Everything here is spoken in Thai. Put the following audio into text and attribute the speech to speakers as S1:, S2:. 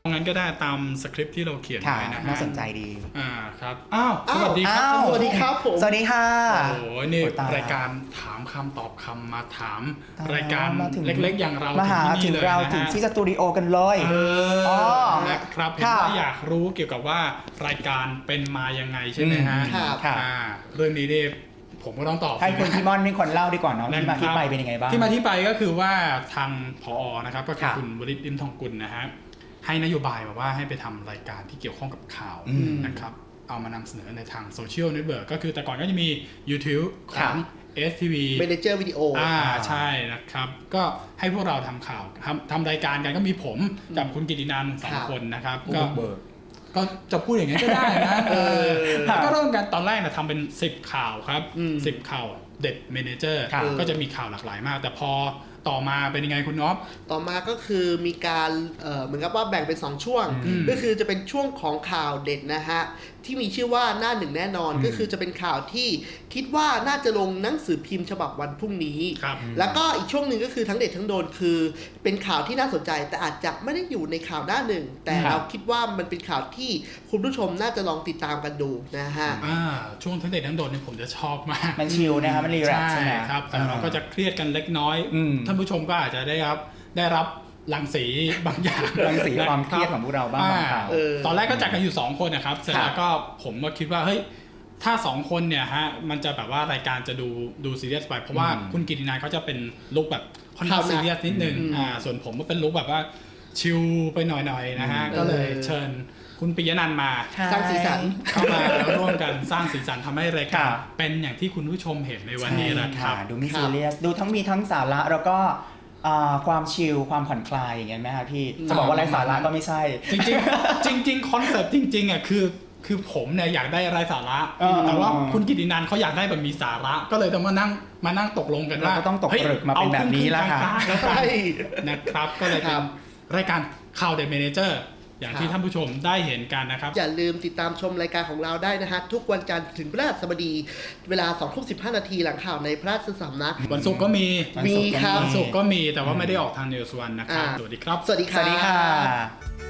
S1: งั้นก็ได้ตามสคริปต์ที่เราเขียนไว้นะ
S2: น่าสนใจดี
S1: ครับสวัสดีครับ
S3: สวัสดีครับผม
S2: สวัสดีค่ะ
S1: โอ้นี่รายการถามคำตอบคำมาถามรายการเล็กๆอย่างเรา
S2: มาหาถึงเราถึงที่สตูดิโอกันเลย
S1: นะครับเห็นว่าอยากรู้เกี่ยวกับว่ารายการเป็นมายังไงใช่ไหมฮะเรื่องนี้เนี่ยผมก็ต้องตอบ
S2: ให้คุณพี่ม่อนเป็นคนเล่าดีกว่าเนาะที่มาที่ไปเป็นยังไงบ้าง
S1: ที่มาที่ไปก็คือว่าทางผอ.นะครับก็คือคุณวริศ ลิ้มทองกุลนะฮะให้นโยบายมาว่าให้ไปทำรายการที่เกี่ยวข้องกับข่าวนะครับเอามานำเสนอในทางโซเชียลเน็ตเวิร์กก็คือแต่ก่อนก็จะมี YouTube ของ STV
S3: Manager Video
S1: ใช่นะครับก็ให้พวกเราทำข่าวทำรายการกันก็มีผมกับคุณกิตินันท์2 คนนะครับก็จะพูดอย่างนี้ก็ได้นะก็เริ่มกันตอนแรกนะทำเป็น10 ข่าวครับ10 ข่าวเด็ดเมเนเจอร์ก็จะมีข่าวหลากหลายมากแต่พอต่อมาเป็นยังไงคุณน็อป
S3: ต่อมาก็คือมีการเหมือนกับว่าแบ่งเป็น2ช่วงก็คือจะเป็นช่วงของข่าวเด็ดนะฮะที่มีชื่อว่าหน้าหนึ่งแน่นอนก็คือจะเป็นข่าวที่คิดว่าน่าจะลงหนังสือพิมพ์ฉบับวันพรุ่งนี้แล้วก็อีกช่วงหนึ่งก็คือทั้งเด็ดทั้งโดนคือเป็นข่าวที่น่าสนใจแต่อาจจะไม่ได้อยู่ในข่าวหน้าหนึ่งแต่เราคิดว่ามันเป็นข่าวที่คุณผู้ชมน่าจะลองติดตามกันดูนะฮะ
S1: ช่วงทั้งเด็ดทั้งโดนเนี่ยผมจะชอบมาก
S2: มันชิลนะครับมันรีแลกซ์ใช่ไหม
S1: ครับแต่เราก็จะเครียดกันเล็กน้อยท่านผู้ชมก็อาจจะได้รับรังสีบางอย่าง
S2: รังสีความเครียดของพวกเราบ้าง
S1: ตอนแรกก็จัดกันอยู่2 คนนะครับเสร็จแล้วก็ผมก็คิดว่าเฮ้ยถ้า2 คนเนี่ยฮะมันจะแบบว่ารายการจะดูซีเรียสไปเพราะว่าคุณกิตินันท์เขาจะเป็นลุคแบบค่อนข้างซีเรียสนิดนึงส่วนผมก็เป็นลุคแบบว่าชิลไปหน่อยๆนะฮะก็เลยเชิญคุณปิยนันท์มา
S3: สร้างสีสัน
S1: เข้ามาแล้วร่วมกันสร้างสีสันทำให้รายการเป็นอย่างที่คุณผู้ชมเห็นในวันนี้นะครับ
S2: ดูไม่ซีเรียสดูมีทั้งสาระแล้วก็ความชิลความผ่อนคลายอย่างเงี้ยไหมครับพี่จะบอกว่าไร้สาระก็ไม่ใช่
S1: จริงคอนเซ็ปต์จริงๆอ่ะคือผมเนี่ยอยากได้ไร้สาระแต่ว่าคุณกิตินันท์เขาอยากได้แบบมีสาระก็เลยต้องมานั่งตกลงกันว่า
S2: ต้องตกผลึกมาเป็นแบบนี้แล้วค่ะ
S1: ใช่นะครับก็เลยเป็นรายการข่าวเด็ดเมเนเจอร์อย่างที่ท่านผู้ชมได้เห็นกันนะครับ
S3: อย่าลืมติดตามชมรายการของเราได้นะฮะทุกวันจันทร์ถึงพฤหัสบดีเวลา 20:15 น.หลังข่าวในพระราชสำนัก
S1: วันศุกร์ก็มี
S3: ครับ
S1: วันศุกร์ก็มีแต่ว่าไม่ได้ออกทาง News One นะครับสวัสดีครับ
S3: สวัสดีค่ะ